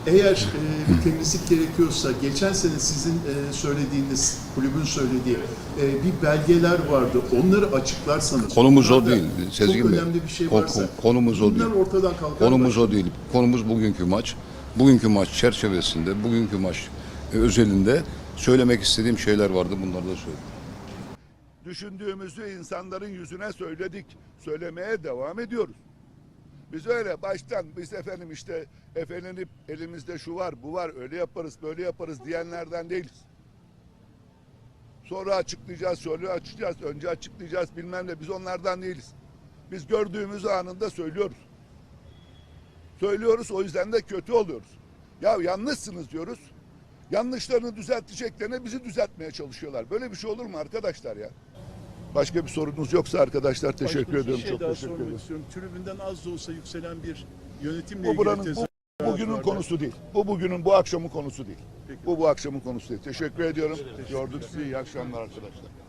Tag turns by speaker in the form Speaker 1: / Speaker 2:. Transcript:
Speaker 1: Eğer bir temizlik gerekiyorsa, geçen sene sizin söylediğiniz, kulübün söylediği bir belgeler vardı. Onları açıklarsanız.
Speaker 2: Konumuz o
Speaker 1: bunlarda
Speaker 2: değil Sezgin
Speaker 1: çok
Speaker 2: Bey.
Speaker 1: önemli bir şey varsa.
Speaker 2: Konumuz o değil.
Speaker 1: Bunlar ortadan kalkar.
Speaker 2: Konumuz o değil. Konumuz bugünkü maç. Bugünkü maç çerçevesinde, bugünkü maç özelinde söylemek istediğim şeyler vardı. Bunları da söyledim.
Speaker 3: Düşündüğümüzü insanların yüzüne söyledik. Söylemeye devam ediyoruz. Biz öyle baştan biz efendim işte efendim elimizde şu var bu var öyle yaparız böyle yaparız diyenlerden değiliz. Sonra açıklayacağız, sonra açıklayacağız, önce açıklayacağız bilmem ne biz onlardan değiliz. Biz gördüğümüz anında söylüyoruz. Söylüyoruz o yüzden de kötü oluyoruz. Ya yanlışsınız diyoruz. Yanlışlarını düzelteceklerine bizi düzeltmeye çalışıyorlar. Böyle bir şey olur mu arkadaşlar ya? Başka bir sorunuz yoksa arkadaşlar teşekkür ediyorum.
Speaker 1: Bir şey
Speaker 3: Çok
Speaker 1: daha
Speaker 3: teşekkür
Speaker 1: sormak
Speaker 3: ederim.
Speaker 1: istiyorum. Tribünden az da olsa yükselen bir yönetimle
Speaker 3: Bu
Speaker 1: ilgili
Speaker 3: buranın
Speaker 1: tezahürat
Speaker 3: bugünün
Speaker 1: vardı.
Speaker 3: konusu değil. Bu bugünün bu akşamın konusu değil.
Speaker 1: Peki.
Speaker 3: Bu akşamın konusu değil. Teşekkür ediyorum. Gördük sizi. İyi akşamlar arkadaşlar.